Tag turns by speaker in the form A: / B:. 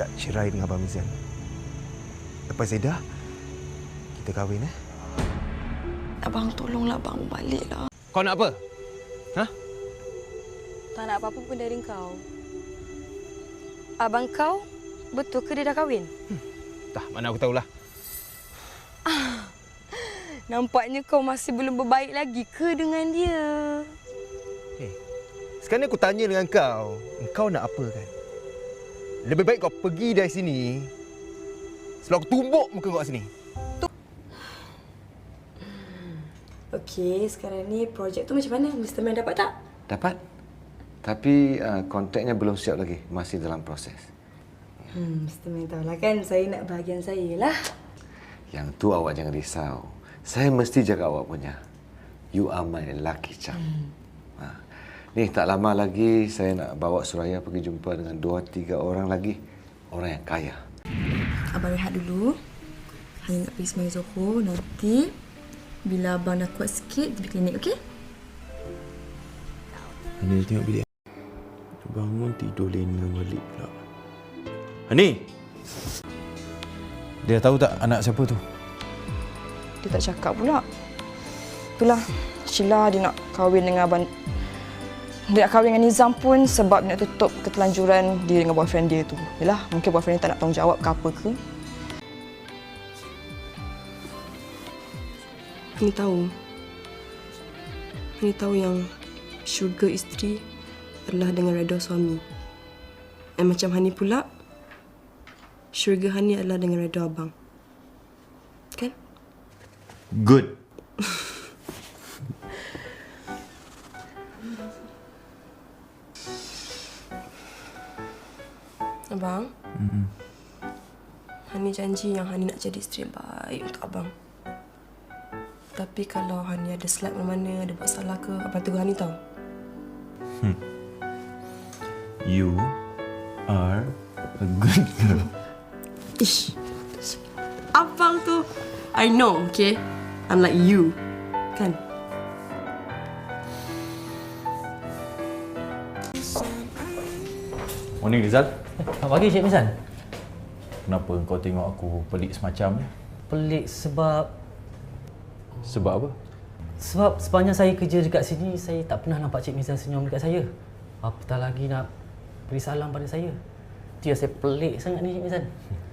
A: cerai dengan Abang Mizan. Lepas Edah, kita kahwin,
B: Abang, tolonglah abang baliklah.
A: Kau nak apa? Ha?
B: Tak nak apa-apa pun dari kau. Abang kau, betul ke dia dah kahwin?
A: Dah, mana aku tahulah.
B: Nampaknya kau masih belum berbaik lagi ke dengan dia?
A: Sekarang aku tanya dengan kau nak apa kan? Lebih baik kau pergi dari sini sebelum aku tumbuk muka kau kat sini.
B: Okey, sekarang ni projek tu macam mana? Mr. Man dapat tak?
C: Dapat. Tapi kontraknya belum siap lagi. Masih dalam proses.
B: Mr. Man tahulah kan saya nak bahagian saya lah.
C: Yang tu awak jangan risau. Saya mesti jaga awak punya. You are my lucky charm. Ni tak lama lagi saya nak bawa Suraya pergi jumpa dengan 2-3 orang lagi. Orang yang kaya.
B: Abang rehat dulu. Hanya nak pergi Semai Zoho. Nanti bila abang dah kuat sikit, pergi klinik, okey?
A: Hani tengok bilik. Bangun tidur lena balik pula. Hani! Dia tahu tak anak siapa tu?
B: Dia tak cakap pula. Itulah, Sheila dia nak kahwin dengan abang. Dia nak kahwin dengan Nizam pun sebab dia nak tutup ketelanjuran dia dengan boyfriend dia tu. Yalah, mungkin boyfriend dia tak nak tanggungjawab ke apa ke. Hani tahu yang syurga isteri adalah dengan redha suami. Dan macam Hani pula, syurga Hani adalah dengan redha abang. Kan?
A: Good.
B: Abang? Hani janji yang Hani nak jadi isteri yang baik untuk abang. Tapi kalau Hani ada slap mana-mana, ada buat salah ke, abang tegur Hani tau.
A: You are a good girl.
B: Ish. Abang tu, I know, okay? Unlike you. Kan?
D: Morning, Rizal.
E: Selamat pagi, Cik Mizan.
D: Kenapa kau tengok aku pelik semacam ni?
E: Pelik sebab
D: Sebab apa?
E: sepanjang saya kerja dekat sini, saya tak pernah nampak Cik Mizan senyum dekat saya. Apatah lagi nak beri salam pada saya. Itu yang saya pelik sangat ni, Cik Mizan.